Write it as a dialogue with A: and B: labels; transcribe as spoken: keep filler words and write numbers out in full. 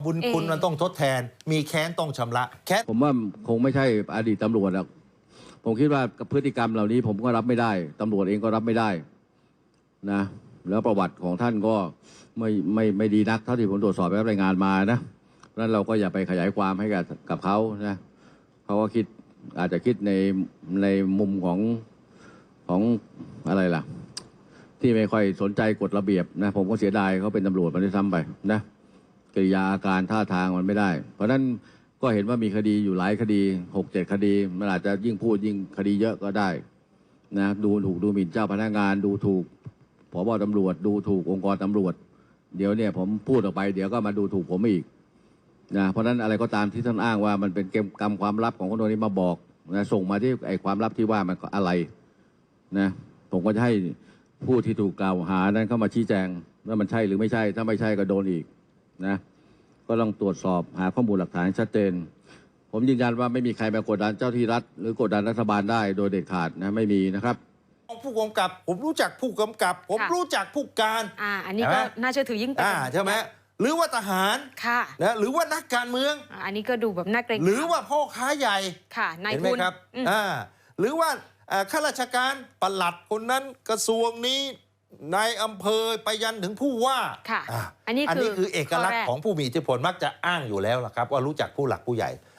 A: บุญคุณมันต้องทดแทนมีแค้นต้องชำระแค้น
B: ผมว่าคงไม่ใช่อดีตตำรวจหรอกผมคิดว่าพฤติกรรมเหล่านี้ผมก็รับไม่ได้ตำรวจเองก็รับไม่ได้นะแล้วประวัติของท่านก็ไม่ไม่ไม่ดีนักเท่าที่ผมตรวจสอบและรายงานมานะเพราะฉะนั้นเราก็อย่าไปขยายความให้กับกับเขานะเขาก็คิดอาจจะคิดในในมุมของของอะไรล่ะที่ไม่ค่อยสนใจกฎระเบียบนะผมก็เสียดายเขาเป็นตำรวจมาด้วยซ้ำไปนะกิริยาอาการท่าทางมันไม่ได้เพราะฉะนั้นก็เห็นว่ามีคดีอยู่หลายคดีหกเจ็ดคดีมันอาจจะยิ่งพูดยิ่งคดีเยอะก็ได้นะดูถูกดูหมิ่นเจ้าพนักงานดูถูกผบ.ตำรวจดูถูกองค์กรตำรวจเดี๋ยวเนี่ยผมพูดออกไปเดี๋ยวก็มาดูถูกผมอีกนะเพราะฉะนั้นอะไรก็ตามที่ท่านอ้างว่ามันเป็นเกมกรรมความลับของคนนี้มาบอกนะส่งมาที่ไอ้ความลับที่ว่ามันอะไรนะผมก็จะให้ผู้ที่ถูกกล่าวหานั้นเข้ามาชี้แจงว่ามันใช่หรือไม่ใช่ถ้าไม่ใช่ก็โดนอีกนะก็ต้องตรวจสอบหาข้อมูลหลักฐานชัดเจนผมยืนยันว่าไม่มีใครมากดดันเจ้าที่รัฐหรือกดดันรัฐบาลได้โดยเด็ดขาดนะไม่มีนะครับ
A: ผู้กำกับผมรู้จักผู้กำกับผมรู้จักผู้การ
C: อ่าอันนี้ก็น่าเชื่อถือยิ่งไป
A: อ่าใช่ไหมหรือว่าทหาร
C: ค่ะ
A: นะหรือว่านักการเมือง
C: อันนี้ก็ดูแบบน่าเกรง
A: หรือว่าพ่อค้าใหญ่
C: ค่ะนาย
A: ทุนเห็นไหมครับอ่าหรือว่าข้าราชการปลัดคนนั้นกระทรวงนี้นายอำเภอไปยันถึงผู้ว่า
C: ค่ะอันนี้
A: อันนี้คือเอกลักษณ์ของผู้มีอิทธิพลมักจะอ้างอยู่แล้วล่ะครับว่ารู้จักผู้หลักผู้ใหญ่